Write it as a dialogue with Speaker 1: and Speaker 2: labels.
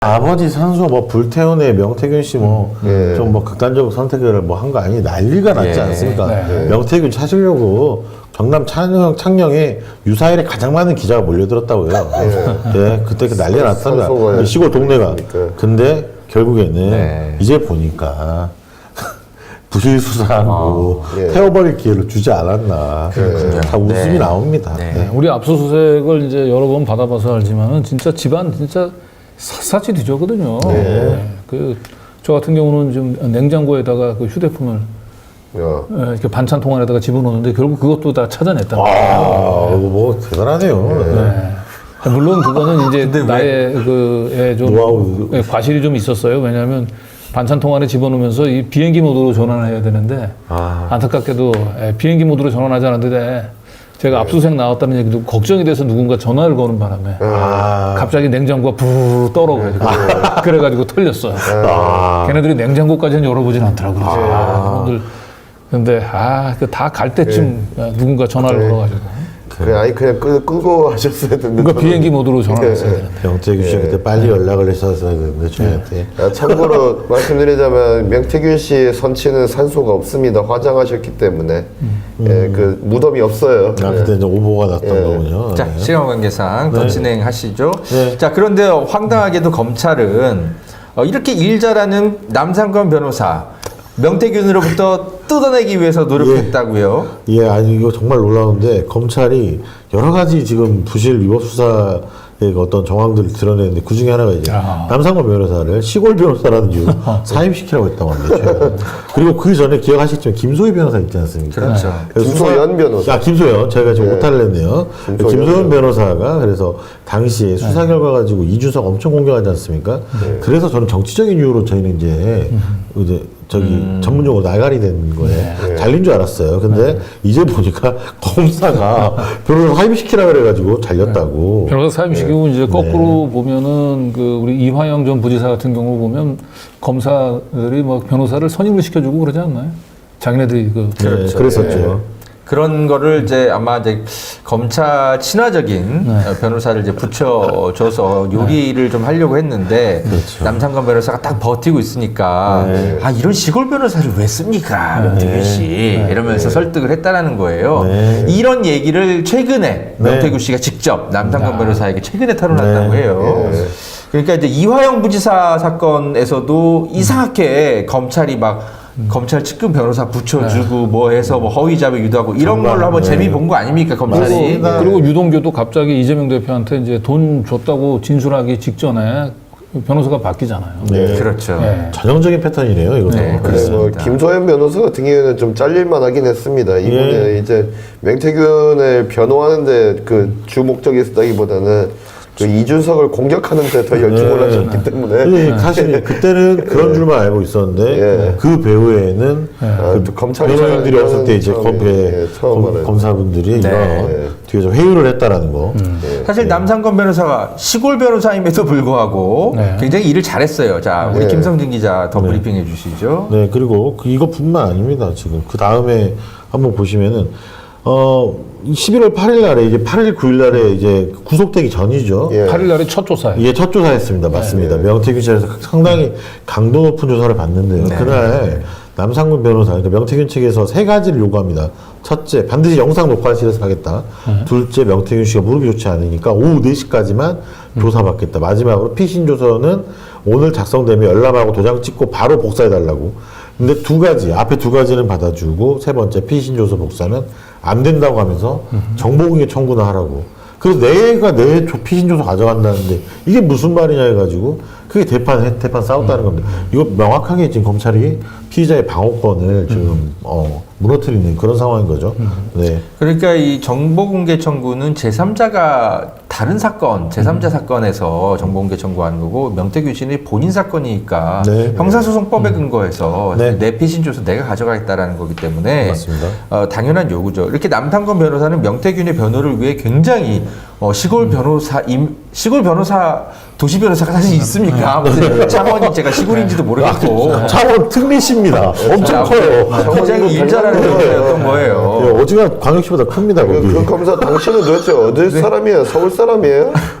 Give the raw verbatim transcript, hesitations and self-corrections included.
Speaker 1: 아버지 산소 뭐 불태운의 명태균 씨 뭐 좀 뭐
Speaker 2: 예.
Speaker 1: 극단적 선택을 뭐 한 거 아니 난리가 났지
Speaker 3: 예.
Speaker 1: 않습니까?
Speaker 2: 네.
Speaker 1: 명태균 찾으려고 경남 창녕, 창녕에 유사일에 가장 많은 기자가 몰려들었다고요. 예, 그때 그 난리가
Speaker 2: 산소가
Speaker 1: 났답니다. 시골 동네가.
Speaker 2: 그러니까.
Speaker 1: 근데 결국에는
Speaker 3: 네.
Speaker 1: 이제 보니까 부실 수사하고
Speaker 2: 예.
Speaker 1: 태워버릴 기회를 주지 않았나. 다 웃음이
Speaker 3: 네.
Speaker 1: 나옵니다.
Speaker 3: 네.
Speaker 1: 네.
Speaker 4: 우리 압수수색을 이제 여러 번 받아봐서 알지만은 진짜 집안 진짜 샅샅이 뒤졌거든요. 네. 그, 저 같은 경우는 좀 냉장고에다가 그 휴대폰을
Speaker 2: 야.
Speaker 4: 예, 이렇게 반찬 통안에다가 집어넣는데 결국 그것도 다 찾아냈다.
Speaker 1: 아, 이거 뭐 대단하네요. 네.
Speaker 4: 네. 물론 그거는 이제 나의 그에 좀
Speaker 1: 노하우.
Speaker 4: 예, 과실이 좀 있었어요. 왜냐하면 반찬 통안에 집어넣으면서 이 비행기 모드로 전환을 해야 되는데
Speaker 1: 아.
Speaker 4: 안타깝게도 예, 비행기 모드로 전환하지 않았는데 제가 압수수색 나왔다는 얘기도 걱정이 돼서 누군가 전화를 거는 바람에
Speaker 1: 아.
Speaker 4: 갑자기 냉장고가 부르르 떨어가지고 그래가지고 털렸어요.
Speaker 1: 아.
Speaker 4: 걔네들이 냉장고까지는 열어보진 않더라고요. 아. 그분들 근데 아, 그 다 갈 때쯤 누군가 전화를
Speaker 2: 네.
Speaker 4: 걸어가지고
Speaker 2: 그래, 아니 그냥 끄, 끄고 하셨어야 됐는데.
Speaker 4: 그러니까 비행기 모드로 전화를 했어야 되는데.
Speaker 1: 명태균 씨가 그때 빨리 연락을 했었어야 되는데 저희한테.
Speaker 2: 아, 참고로 말씀드리자면 명태균 씨의 선치는 산소가 없습니다. 화장하셨기 때문에 예, 그 무덤이 없어요.
Speaker 1: 아,
Speaker 2: 네.
Speaker 1: 그때 이제 오보가 났던
Speaker 2: 예.
Speaker 1: 거군요.
Speaker 3: 자,
Speaker 1: 네.
Speaker 3: 시간 관계상 더 진행하시죠.
Speaker 1: 네.
Speaker 3: 자, 그런데 황당하게도 검찰은 어, 이렇게 일 잘하는 남상권 변호사 명태균으로부터 뜯어내기 위해서 노력했다고요.
Speaker 1: 예, 아니 이거 정말 놀라운데 검찰이 여러 가지 지금 부실 위법 수사의 어떤 정황들을 드러내는데 그 중에 하나가 이제
Speaker 4: 아.
Speaker 1: 남상권 변호사를 시골 변호사라는 이유로 사임시키라고 했다고 합니다. 최근에. 그리고 그 전에 기억하시겠지만 김소희 변호사 있지 않습니까?
Speaker 3: 그렇죠.
Speaker 1: 그래서
Speaker 2: 김소연 변호사.
Speaker 1: 아, 김소연. 저희가 지금
Speaker 2: 네.
Speaker 1: 오타를 냈네요.
Speaker 2: 김소연
Speaker 1: 김소연 변호사가 그래서 당시에 수사 결과 가지고 이준석 엄청 공격하지 않습니까? 그래서 저는 정치적인 이유로 저희는 이제 이제 저기 전문 용어로 나갈이 된 거에 잘린 줄 알았어요. 근데 이제 보니까 검사가 변호사 사임시키라 그래가지고 잘렸다고.
Speaker 4: 변호사 사임시키고 이제 거꾸로 보면은 그 우리 이화영 전 부지사 같은 경우 보면 검사들이 뭐 변호사를 선임을 시켜주고 그러지 않나요? 자기네들이 그
Speaker 1: 네,
Speaker 3: 그렇죠.
Speaker 1: 그랬었죠.
Speaker 3: 그런 거를 이제 아마 이제 검찰 친화적인 어, 변호사를 이제 붙여줘서 요리를 좀 하려고 했는데 남상권 변호사가 딱 버티고 있으니까 아 이런 시골 변호사를 왜 씁니까 명태균 씨 이러면서 설득을 했다라는 거예요.
Speaker 1: 네.
Speaker 3: 이런 얘기를 최근에 명태균 씨가 직접 남상권 변호사에게 최근에 털어놨다고 해요. 그러니까 이제 이화영 부지사 사건에서도 이상하게 검찰이 막 검찰 측근 변호사 붙여주고 뭐 해서 뭐 허위 자백 유도하고 이런
Speaker 1: 정말,
Speaker 3: 걸로 한번
Speaker 1: 네.
Speaker 3: 재미 본 거 아닙니까 검찰이?
Speaker 1: 맞습니다.
Speaker 4: 그리고 유동규도 갑자기 이재명 대표한테 이제 돈 줬다고 진술하기 직전에 변호사가 바뀌잖아요.
Speaker 1: 네.
Speaker 3: 그렇죠.
Speaker 4: 네.
Speaker 1: 전형적인 패턴이네요, 이것도.
Speaker 3: 네,
Speaker 2: 네, 뭐
Speaker 3: 그렇습니다.
Speaker 2: 김소연 변호사 같은 경우에는 좀 잘릴만 하긴 했습니다. 이분이
Speaker 1: 예.
Speaker 2: 이제 명태균을 변호하는데 그 주 목적이 있었다기보다는 그 이준석을 공격하는데 더 열중을
Speaker 1: 네.
Speaker 2: 하셨기 때문에
Speaker 1: 근데 사실 그때는 그런 줄만 알고 있었는데
Speaker 2: 예.
Speaker 1: 그 배후에는
Speaker 2: 아,
Speaker 1: 그
Speaker 2: 또 검찰이
Speaker 1: 변호인들이
Speaker 2: 잘하는
Speaker 1: 없을 때 이제
Speaker 2: 처음에,
Speaker 1: 검,
Speaker 2: 예, 처음 알아요.
Speaker 1: 검사분들이 이런
Speaker 2: 네.
Speaker 1: 뒤에서 회유를 했다라는 거.
Speaker 3: 사실 남상권 변호사가 시골 변호사임에도 불구하고
Speaker 4: 네.
Speaker 3: 굉장히 일을 잘했어요. 자, 우리
Speaker 2: 네.
Speaker 3: 김성진 기자 더 브리핑해 주시죠.
Speaker 1: 네, 그리고 그 이것뿐만 아닙니다. 지금 그 다음에 한번 보시면은 어 십일월 팔일 날에 이제 팔일 구일 날에 이제 구속되기 전이죠.
Speaker 2: 예.
Speaker 4: 팔일 날에 첫 조사에
Speaker 1: 이게 첫 조사였습니다. 맞습니다. 명태균 씨에서 상당히 강도 높은 조사를 받는데요. 그날 남상권 변호사, 그러니까 명태균 측에서 세 가지를 요구합니다. 첫째, 반드시 영상 녹화실에서 하겠다. 둘째, 명태균 씨가 무릎이 좋지 않으니까 오후 네 시까지만 조사받겠다. 마지막으로 피신 조서는 오늘 작성되면 열람하고 도장 찍고 바로 복사해달라고. 근데 두 가지, 앞에 두 가지는 받아주고 세 번째 피신 조서 복사는 안 된다고 하면서 정보공개 청구나 하라고. 그래서 내가 내 조- 피신 조서 가져간다는데 이게 무슨 말이냐 해가지고 그게 대판 대판 싸웠다는 겁니다. 이거 명확하게 지금 검찰이 피의자의 방어권을 지금 어, 무너뜨리는 그런 상황인 거죠. 네.
Speaker 3: 그러니까 이 정보공개 청구는 제삼자가 다른 사건, 제삼자 사건에서 정보공개 청구하는 거고 명태균 씨는 본인 사건이니까
Speaker 1: 네.
Speaker 3: 형사소송법에 근거해서
Speaker 1: 네.
Speaker 3: 내 피신 조서 내가 가져가겠다라는 거기 때문에
Speaker 1: 맞습니다.
Speaker 3: 어, 당연한 요구죠. 이렇게 남상권 변호사는 명태균의 변호를 위해 굉장히 어, 시골 변호사 임 시골 변호사 도시 변호사가 사실 있습니까? 무슨 창원이 제가 시골인지도 모르겠고
Speaker 1: 창원 특례시입니다. 엄청 커요.
Speaker 3: 굉장히 일 잘하는 변호사였던 거예요.
Speaker 1: 네, 어지간 광역시보다 큽니다.
Speaker 2: 그,
Speaker 1: 거기.
Speaker 2: 그 검사 당신은 도대체 어디 사람이에요? 서울 사람이에요?